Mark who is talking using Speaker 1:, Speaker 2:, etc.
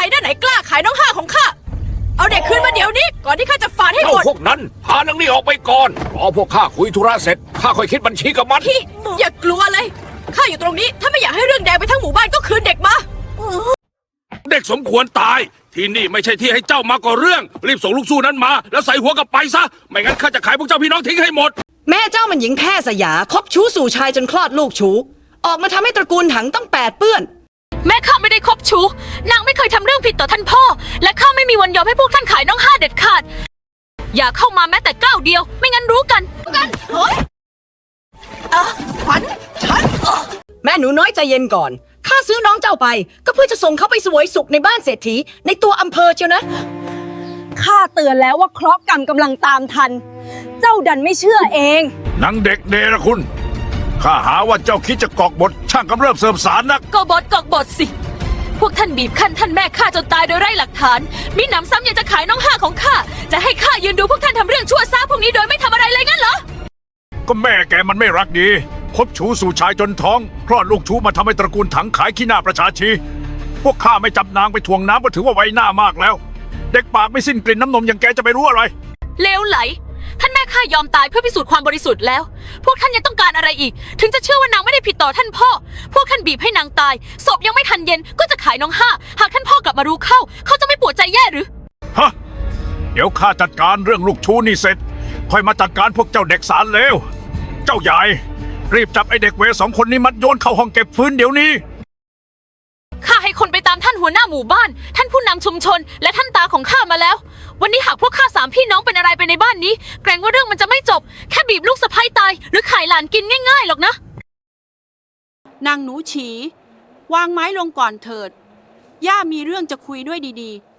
Speaker 1: หน้าไหนกล้าขายน้องห้าของข้าเอาเด็กคืนมาเดี๋ยวนี้ก่อนที่ข้าจะฝาดให้หมด
Speaker 2: พวกนั้นพานางนี่ออกไปก่อนรอพวกข้าคุยธุระเสร็จข้าค่อยคิดบัญชีกับมัน
Speaker 1: พี่อย่ากลัวเลยข้าอยู่ตรงนี้ถ้าไม่อยากให้เรื่องแดงไปทั้งหมู่บ้านก็คืนเด็กมา
Speaker 3: เด็กสมควรตายที่นี่ไม่ใช่ที่ให้เจ้ามาก่อเรื่องรีบส่งลูกสู้นั้นมาแล้วใส่หัวกลับไปซะไม่งั้นข้าจะขายพวกเจ้าพี่น้องทิ้งให้หมด
Speaker 4: แม่เจ้ามันหญิงแพร่สยาคบชู้สู่ชายจนคลอดลูกชู้ออกมาทำให้ตระกูลถังต้องแปดเปื้อน
Speaker 5: แม่ข้าไม่ได้คบชู้นางไม่เคยทำเรื่องผิดต่อท่านพ่อและข้าไม่มีวันยอมให้พวกท่านขายน้องห้าเด็ดขาดอย่าเข้ามาแม้แต่ก้าวเดียวไม่งั้นรู้กัน
Speaker 1: เฮ้ยขวัญฉัน
Speaker 4: แม่หนูน้อยใจเย็นก่อนข้าซื้อน้องเจ้าไปก็เพื่อจะส่งเขาไปสวยสุขในบ้านเศรษฐีในตัวอำเภอเชียวนะ
Speaker 6: ข้าเตือนแล้วว่าเคราะห์กรรมกำลังตามทันเจ้าดันไม่เชื่อเอง
Speaker 3: นางเด็กเนรคุณข้าหาว่าเจ้าคิดจะกอกบทช่างกำเริบเสริมสารนัก
Speaker 5: กอกบทสิพวกท่านบีบคั้นท่านแม่ข้าจนตายโดยไร้หลักฐานมีหนำซ้ำยังจะขายน้องห้าของข้าจะให้ข้ายืนดูพวกท่านทำเรื่องชั่วซาพวกนี้โดยไม่ทำอะไรเลยงั้นเหรอ
Speaker 3: ก็แม่แกมันไม่รักดีคบชู้สู่ชายจนท้องคลอดลูกชู้มาทำให้ตระกูลถังขายขี้หน้าประชาชีพวกข้าไม่จับนางไปถ่วงน้ำก็ถือว่าไว้หน้ามากแล้วเด็กปากไม่สิ้นกลิ่นน้ำนมอย่างแกจะไปรู้อะไร
Speaker 5: เลวไหลท่านแม่ข้ายอมตายเพื่อพิสูจน์ความบริสุทธิ์แล้วพวกท่านยังต้องการอะไรอีกถึงจะเชื่อว่านางไม่ได้ผิดต่อท่านพ่อพวกท่านบีบให้นางตายศพยังไม่ทันเย็นก็จะขายน้องห้าหากท่านพ่อกลับมารู้เข้าเขาจะไม่ปวดใจแย่หรือ
Speaker 3: ฮะเดี๋ยวข้าจัดการเรื่องลูกชู้นี่เสร็จค่อยมาจัดการพวกเจ้าเด็กสารเลวเจ้าใหญ่รีบจับไอเด็กเวสองคนนี้มัดโยนเข้าห้องเก็บฟื้นเดี๋ยวนี้
Speaker 5: ข้าให้คนไปตามท่านหัวหน้าหมู่บ้านท่านผู้นำชุมชนและท่านตาของข้ามาแล้ววันนี้หากพวกข้าสามพี่น้องเป็นอะไรไปในบ้านนี้เกรงว่าเรื่องมันจะไม่จบแค่บีบลูกสะใภ้ตายหรือขายหลานกินง่ายๆหรอกนะ
Speaker 7: นางหนูฉีวางไม้ลงก่อนเถิดย่ามีเรื่องจะคุยด้วยดีๆ